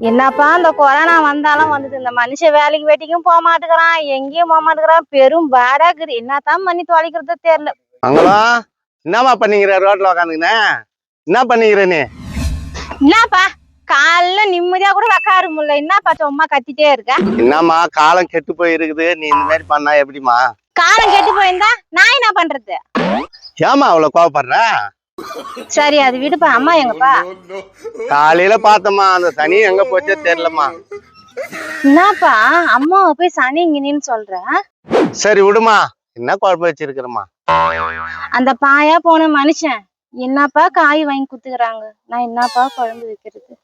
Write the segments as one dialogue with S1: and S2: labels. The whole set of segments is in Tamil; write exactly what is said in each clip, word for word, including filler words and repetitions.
S1: என்னப்பா இந்த கொரோனா வந்தாலும் வந்தது, இந்த மனுஷன் வேலைக்கு வெட்டிக்கும் போக மாட்டேங்கிறான், எங்கேயும் போக மாட்டேங்கிறான், பெரும் பாடாக்குது. என்னத்தான் பண்ணி தொலைக்கிறதோ தெரியல.
S2: அங்களா என்னமா பண்ணிக்கிற? ரோட்ல உக்காந்துக்கின என்ன பண்ணிக்கிற நீ?
S1: என்னப்பா காலைல நிம்மதியா கூட உக்கார முடியல, என்னப்பா சும்மா கத்திட்டே இருக்க?
S2: என்னம்மா காலம் கெட்டு போய் இருக்குது, நீ இந்த மாதிரி பண்ணா எப்படிமா?
S1: காலம் கெட்டு போயிருந்தா நான் என்ன பண்றது?
S2: ஏமா அவ்வளவு கோவப்படுற?
S1: சரி அது விடுப்பா. அம்மா எங்கப்பா?
S2: காலையில பார்த்தம்மா, அந்த சனி எங்க போச்சே தெரியலம்மா.
S1: என்னப்பா அம்மாவை போய் சனி இங்கன்னு சொல்ற?
S2: சரி விடுமா, என்ன குழப்பம் வச்சிருக்கிறமா?
S1: அந்த பாயா போன மனுஷன் என்னப்பா காய் வாங்கி குத்துக்கிறாங்க, நான் என்னப்பா குழம்பு வைக்கிறது?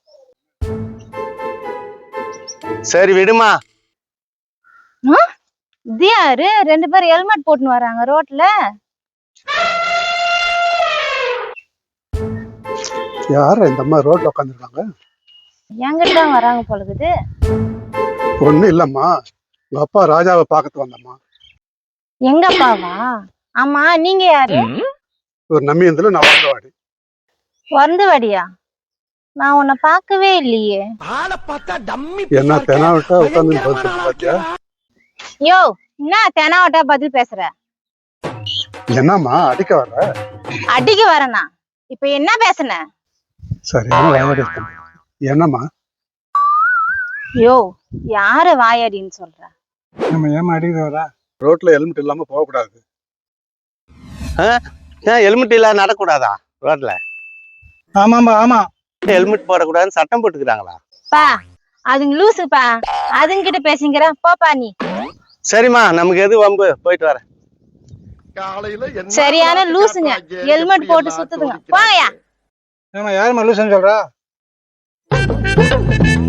S2: சரி விடுமா.
S1: இது யாரு ரெண்டு பேரும் ஹெல்மெட் போட்டுன்னு வராங்க ரோட்ல?
S3: யார இந்த அம்மா ரோட்ல உட்காந்துருக்காங்க?
S1: எங்கிட்ட தான் வராங்க போலகுது.
S3: ஒண்ணும் இல்லம்மா, உங்க அப்பா ராஜாவை பார்க்கறது வந்தம்மா.
S1: எங்க அப்பாவா? ஆமா நீங்க யாரு?
S3: ஒரு நம்பியந்தில நான் வந்தவாடி.
S1: வந்தவாடியா? நான் உன்னை பார்க்கவே இல்லையே.
S3: என்ன தெனாவட்டா உட்காந்து பாத்தியா?
S1: யோ என்ன தெனாவட்டா பதில் பேசுற?
S3: என்னம்மா அடிக்க வர்ற?
S1: அடிக்க வரனா? இப்ப என்ன பேசுன?
S3: சரியான வாயாடி என்னம்மா?
S1: யோ யார வாயாடின்னு சொல்ற?
S3: நம்ம ஏமா அடிக்க வர? ரோட்ல ஹெல்மெட் இல்லாம போக கூடாது.
S2: ஹெல்மெட் இல்ல நடக்கூடாதா ரோட்ல?
S3: ஆமாம்பா ஆமா,
S2: ஹெல்மெட் போடக்கூடாதுன்னு சட்டம் போட்டுக்கிறாங்களா?
S1: பா அதுங்க லூசுப்பா, அதுங்கிட்ட பேசிக்கிற போப்பா நீ.
S2: சரிம்மா, நமக்கு எது வம்பு, போயிட்டு வரேன்.
S1: சரியான லூசுங்க, ஹெல்மெட் போட்டு சுத்துதுங்க, போங்கயா.
S3: ஏமா யாருமா லூசுன்னு சொல்றா?